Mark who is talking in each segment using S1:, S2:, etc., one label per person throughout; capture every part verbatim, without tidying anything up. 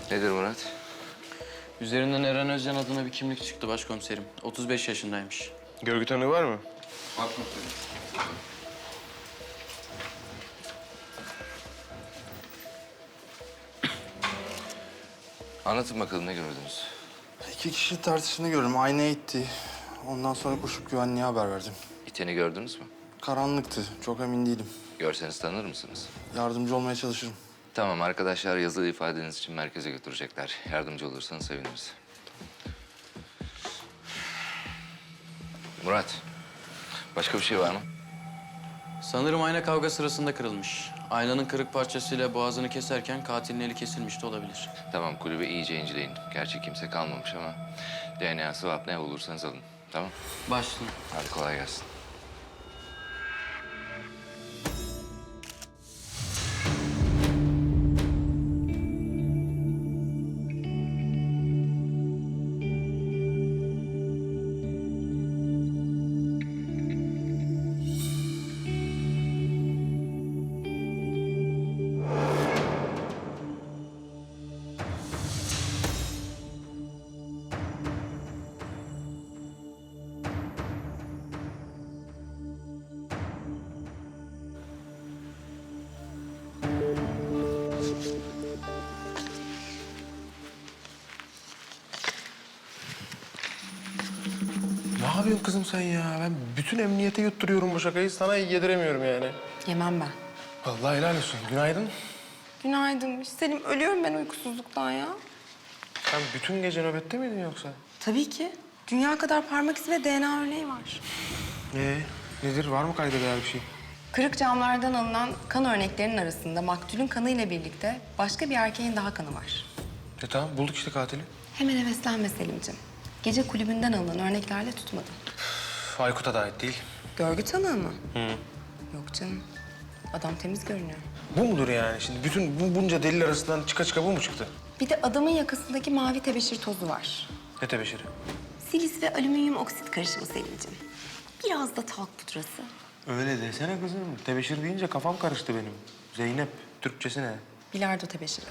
S1: Nedir Murat?
S2: Üzerinden Eren Özcan adına bir kimlik çıktı başkomiserim. otuz beş yaşındaymış.
S3: Görgü tanığı var mı?
S1: Başkomiserim. Anlatın bakalım ne gördünüz?
S4: İki kişi tartışını gördüm. Aynaya itti. Ondan sonra koşup güvenliğe haber verdim.
S1: İteni gördünüz mü?
S4: Karanlıktı. Çok emin değilim.
S1: Görseniz tanır mısınız?
S4: Yardımcı olmaya çalışırım.
S1: Tamam, arkadaşlar yazılı ifadeniz için merkeze götürecekler. Yardımcı olursanız seviniriz. Murat, başka bir şey var mı?
S2: Sanırım ayna kavga sırasında kırılmış. Aynanın kırık parçasıyla boğazını keserken katilin eli kesilmiş de olabilir.
S1: Tamam, kulübe iyice inceleyin. Gerçi kimse kalmamış ama D N A, swap ne bulursanız alın. Tamam?
S2: Başlayın.
S1: Hadi kolay gelsin.
S3: Ne yapıyorsun kızım sen ya? Ben bütün emniyete yutturuyorum bu şakayı. Sana yediremiyorum yani.
S5: Yemem ben.
S3: Vallahi helal olsun. Günaydın.
S5: Günaydın. Selim, ölüyorum ben uykusuzluktan ya.
S3: Sen bütün gece nöbette miydin yoksa?
S5: Tabii ki. Dünya kadar parmak izi ve D N A örneği var.
S3: Ee, nedir? Var mı kayda değer bir şey?
S5: Kırık camlardan alınan kan örneklerinin arasında maktulün kanıyla birlikte başka bir erkeğin daha kanı var.
S3: E tamam, bulduk işte katili.
S5: Hemen heveslenme Selim'ciğim. Gece kulübünden alınan örneklerle tutmadı.
S3: Üf, Aykut'a da ait değil.
S5: Görgü tanığı mı? Hı. Yok canım. Adam temiz görünüyor.
S3: Bu mudur yani? Şimdi bütün bu bunca delil arasından çıka çıka bu mu çıktı?
S5: Bir de adamın yakasındaki mavi tebeşir tozu var.
S3: Ne tebeşiri?
S5: Silis ve alüminyum oksit karışımı Selim'ciğim. Biraz da talk pudrası.
S3: Öyle desene kızım. Tebeşir deyince kafam karıştı benim. Zeynep, Türkçesi ne?
S5: Bilardo tebeşiri.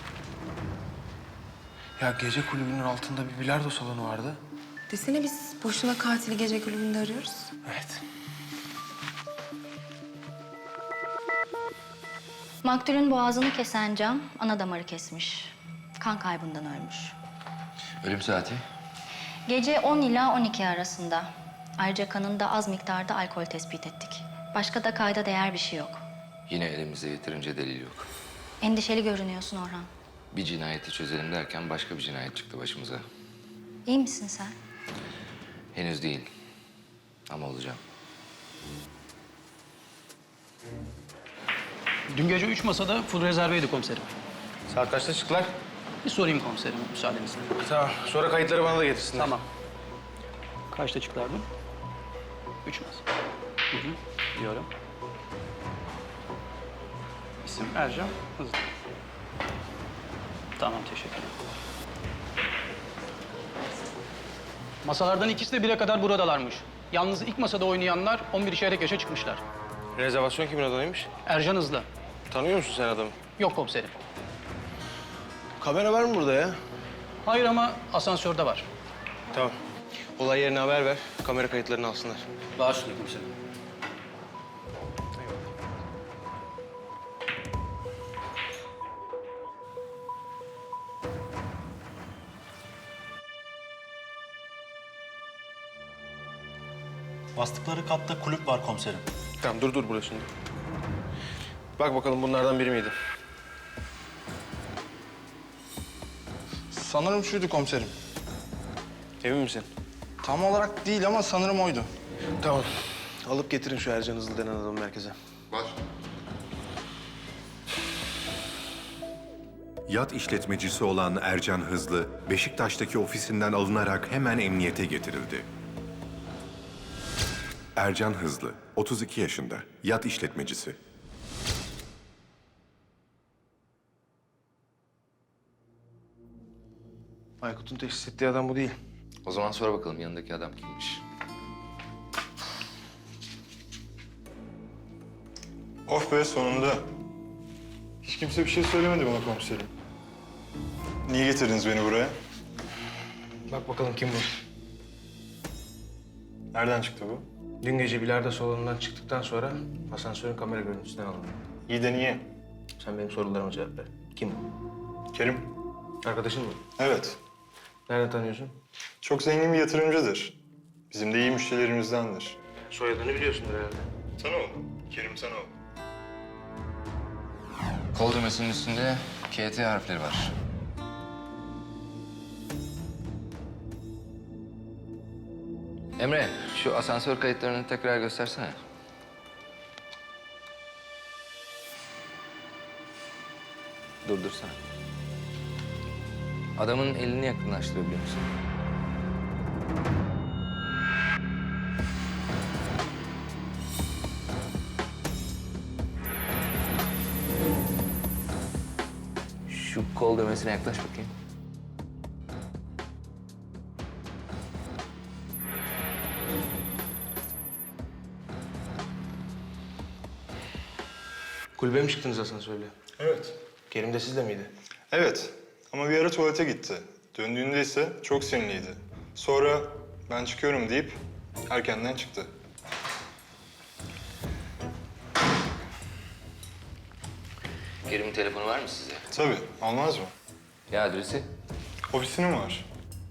S3: Ya gece kulübünün altında bir bilardo salonu vardı.
S5: Desene biz boşuna katili gece kulübünde arıyoruz.
S3: Evet.
S6: Maktulün boğazını kesen cam ana damarı kesmiş. Kan kaybından ölmüş.
S1: Ölüm saati?
S6: Gece on ila on iki arasında. Ayrıca kanında az miktarda alkol tespit ettik. Başka da kayda değer bir şey yok.
S1: Yine elimizde yeterince delil yok.
S6: Endişeli görünüyorsun Orhan.
S1: Bir cinayeti çözelim derken başka bir cinayet çıktı başımıza.
S6: İyi misin sen?
S1: Henüz değil. Ama olacağım.
S7: Dün gece üç masada full rezerveydi komiserim.
S3: Saat kaçta çıktılar?
S7: Bir sorayım komiserim müsaadenizle.
S3: Tamam. Sonra kayıtları bana da getirsinler.
S7: Tamam. Kaçta çıktılardı? Üç masa. Hı hı. Diyorum. İsim Ercan Hızlı. Tamam, teşekkürler. Masalardan ikisi de bire kadar buradalarmış. Yalnız ilk masada oynayanlar on bir çeyrek yaşa çıkmışlar.
S3: Rezervasyon kimin adaymış?
S7: Ercan Hızlı.
S3: Tanıyor musun sen adamı?
S7: Yok komiserim.
S3: Kamera var mı burada ya?
S7: Hayır ama asansörde var.
S3: Tamam. Olay yerine haber ver. Kamera kayıtlarını alsınlar.
S7: Bağışlayın komiserim.
S8: Bastıkları katta kulüp var komiserim.
S3: Tamam dur dur burada şimdi. Bak bakalım bunlardan biri miydi?
S4: Sanırım şuydu komiserim.
S3: Emin misin?
S4: Tam olarak değil ama sanırım oydu.
S3: Tamam. Alıp getirin şu Ercan Hızlı denen adamı merkeze.
S1: Var.
S9: Yat işletmecisi olan Ercan Hızlı, Beşiktaş'taki ofisinden alınarak hemen emniyete getirildi. Ercan Hızlı, otuz iki yaşında, yat işletmecisi.
S3: Aykut'un teşhis ettiği adam bu değil.
S1: O zaman sor bakalım yanındaki adam kimmiş?
S8: Of be sonunda. Hiç kimse bir şey söylemedi bana komiserim.
S4: Niye getirdiniz beni buraya?
S3: Bak bakalım kim bu?
S4: Nereden çıktı bu?
S3: Dün gece bilardo salonundan çıktıktan sonra asansörün kamera görüntüsünden alındı.
S4: İyi de niye?
S3: Sen benim sorularıma cevap ver. Kim bu?
S4: Kerim.
S3: Arkadaşın mı?
S4: Evet.
S3: Nereden tanıyorsun?
S4: Çok zengin bir yatırımcıdır. Bizim de iyi müşterilerimizdendir.
S3: Soyadını biliyorsundur herhalde.
S4: Sanoğlu. Kerim Sanoğlu.
S1: Kol düğmesinin üstünde K T harfleri var. Emre, şu asansör kayıtlarını tekrar göstersene. Durdursana. Adamın elini yakınlaştırabiliyor musun? Şu kol düğmesine yaklaş bakayım.
S3: Kulübe mi çıktınız asansörle?
S4: Evet.
S3: Kerim de sizle miydi?
S4: Evet. Ama bir ara tuvalete gitti. Döndüğünde ise çok sinirliydi. Sonra ben çıkıyorum deyip erkenden çıktı.
S1: Kerim'in telefonu var mı size?
S4: Tabii. Olmaz mı?
S1: Ya adresi?
S4: Ofisinin var.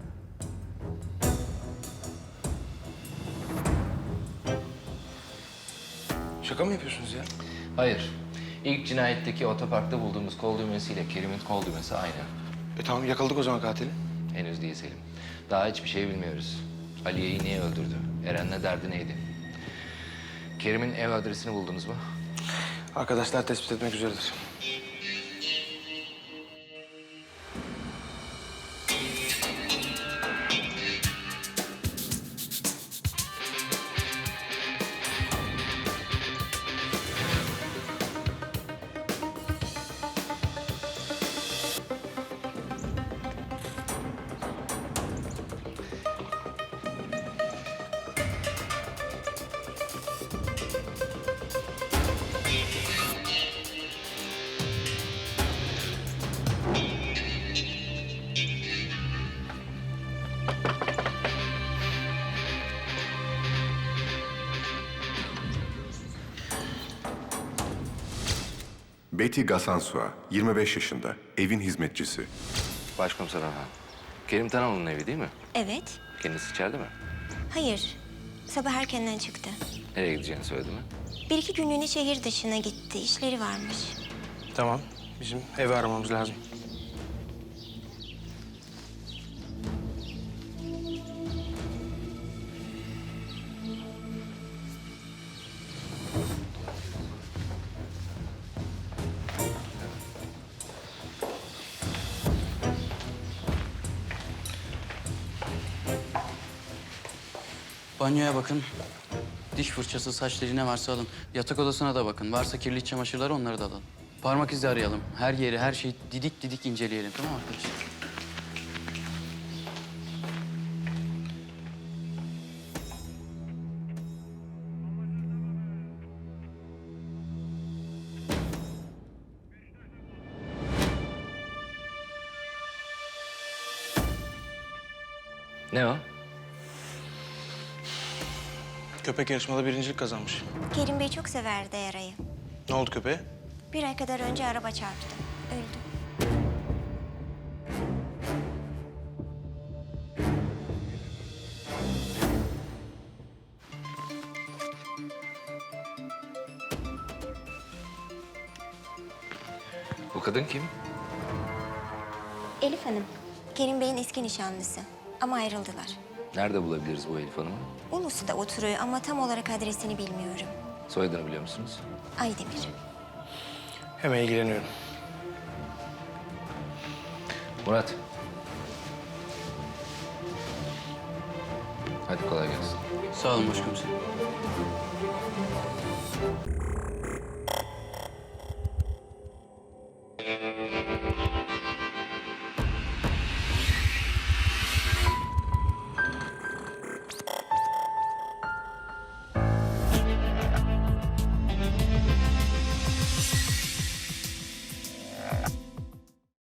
S3: Şaka mı yapıyorsunuz ya?
S1: Hayır. İlk cinayetteki otoparkta bulduğumuz kol düğmesiyle Kerim'in kol düğmesi aynı.
S3: E tamam yakaladık o zaman katili.
S1: Henüz değil Selim. Daha hiçbir şey bilmiyoruz. Aliye'yi niye öldürdü? Eren'le derdi neydi? Kerim'in ev adresini buldunuz mu?
S3: Arkadaşlar tespit etmek üzeredir.
S9: Betty Gasansua, yirmi beş yaşında, evin hizmetçisi.
S1: Başkomiser Orhan. Kerim Tanalı'nın evi değil mi?
S10: Evet.
S1: Kendisi içeride mi?
S10: Hayır. Sabah erkenden çıktı.
S1: Nereye gideceğini söyledi mi?
S10: Bir iki günlüğüne şehir dışına gitti. İşleri varmış.
S3: Tamam. Bizim evi aramamız lazım.
S2: Banyoya bakın. Diş fırçası, saç teli ne varsa alın. Yatak odasına da bakın. Varsa kirli iç çamaşırları onları da alın. Parmak izi arayalım. Her yeri, her şeyi didik didik inceleyelim. Tamam mı arkadaşlar?
S1: Ne o?
S3: Köpek yarışmada birincilik kazanmış.
S10: Kerim Bey çok severdi Eray'ı.
S3: Ne oldu köpeğe?
S10: Bir ay kadar önce araba çarptı. Öldü.
S1: Bu kadın kim?
S10: Elif Hanım. Kerim Bey'in eski nişanlısı. Ama ayrıldılar.
S1: Nerede bulabiliriz bu Elif Hanım'ı?
S10: Ulus'ta oturuyor ama tam olarak adresini bilmiyorum.
S1: Soyadını biliyor musunuz?
S10: Aydemir.
S3: Hemen ilgileniyorum.
S1: Murat. Hadi kolay gelsin.
S2: Sağ olun başkomiserim.